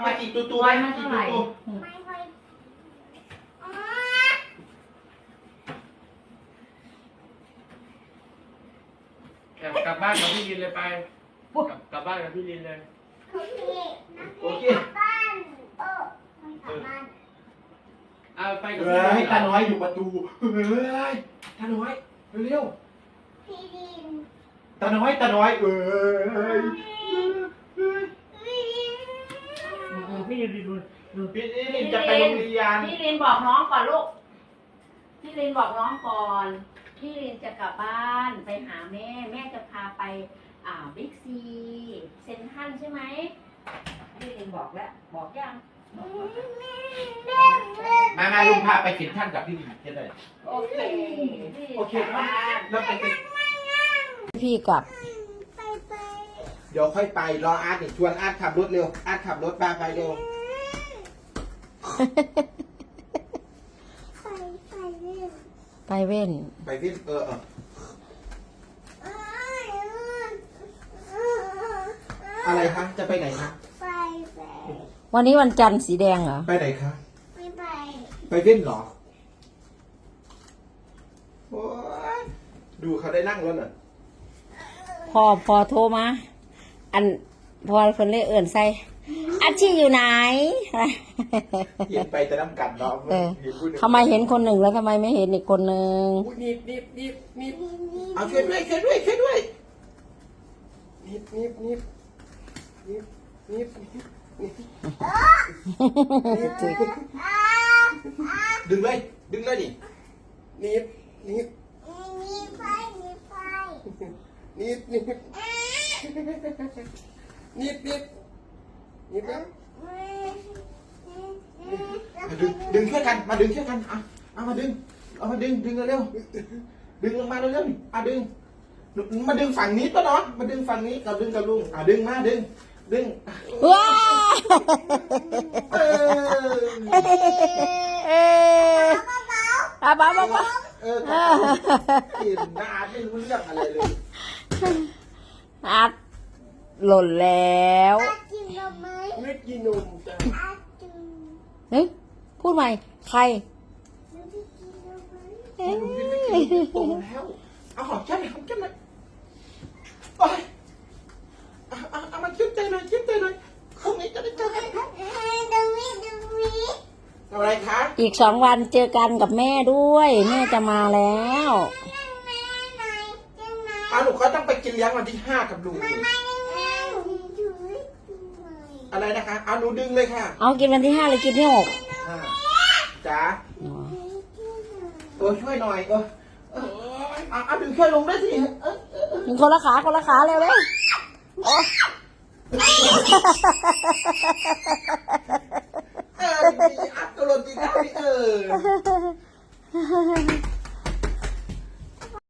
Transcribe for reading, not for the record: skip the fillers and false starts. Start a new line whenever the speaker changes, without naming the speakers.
มาอีกตัว
ไว้มาเท่าไหร่
กลับบ้านกับพี่ลินเลยไปกลับบ้านกับพี่ลินเลย
โอเค
เอาไปกับ
ให้ตาน้อยอยู่ประตูเฮ้ยตาน้อยเร็วตาน้อยเอ้ย
พี่ลินดู
พี่ลินจะไปโรงเรียน
พี่ลินบอกน้องก่อนลูกพี่ลินบอกน้องก่อนพี่ลินจะกลับบ้านไปหาแม่แม่จะพาไปบิ๊กซีเซ็นทรัลใช่ไหมพี่ลินบอกแล้วบอกยัง
มาลุงพาไปเข็นท่านกับพี่ลินจะได้
โอเค
โอเคครับแล้วไป
พี่กลับ
เดี๋ยวค่อยไปรออาร์ตชวนอาร์ตขับรถเร็วอาร์ตขับรถพาไปเร็ว
ไปเว้น
ไปวิ่งอะไรคะจะไปไหนคะ
วันนี้วันจันทร์สีแดงเหรอ
ไปไหนคะไปวิ่งเหรอโอ้ยดูเขาได้นั่งแล้วน่ะ
พอโทรมาอันพอคนเล่เอื่นใส่อาชีอยู่ไหน
เห็นไปแต่น้ำกัดเนาะ
ทำไมเห็นคนหนึ่งแล้วทำไมไม่เห็นอีกคนหนึ่ง
นิบ
เอาช่วยด้วยดึงเลยดิ
นิบนะ
ดึงช่วยกันมาดึงช่วยกันเอามาดึงเร็วดึงลงมาเร็วดึงมาดึงฝั่งนี้ป่ะเนาะมาดึงฝั่งนี้กับดึงกับลุงดึงมาดึง
ว้า บ้า
กินน้าไม่รู้เรื่องอะไรเลย
อัดหล่นแล้ว
ไม่กินนมจ้ะ
เฮ้ยพูดใหม่ใคร
ลุงกินไม่กินโตแล้วเอาหอมแก้มหน่อยโอ้ยเอามาคิ้วใจหน่อยพรุ่งนี้จะได้เจอกันอะไรคะ
อีก2 วันเจอกันกับแม่ด้วยแม่จะมาแล้ว
หนูเขาต้องไปกินเลี้ยงวันที่5กับลุงอะไรนะคะเอาหนูดึงเลยค่ะ
เอากินวันที่5เลยกินที่6
จ๋าช่วยหน่อยเอาดึงช่วยลงได้สิ
คนละขาเร็วเลย
อัดตัวลงจริงได้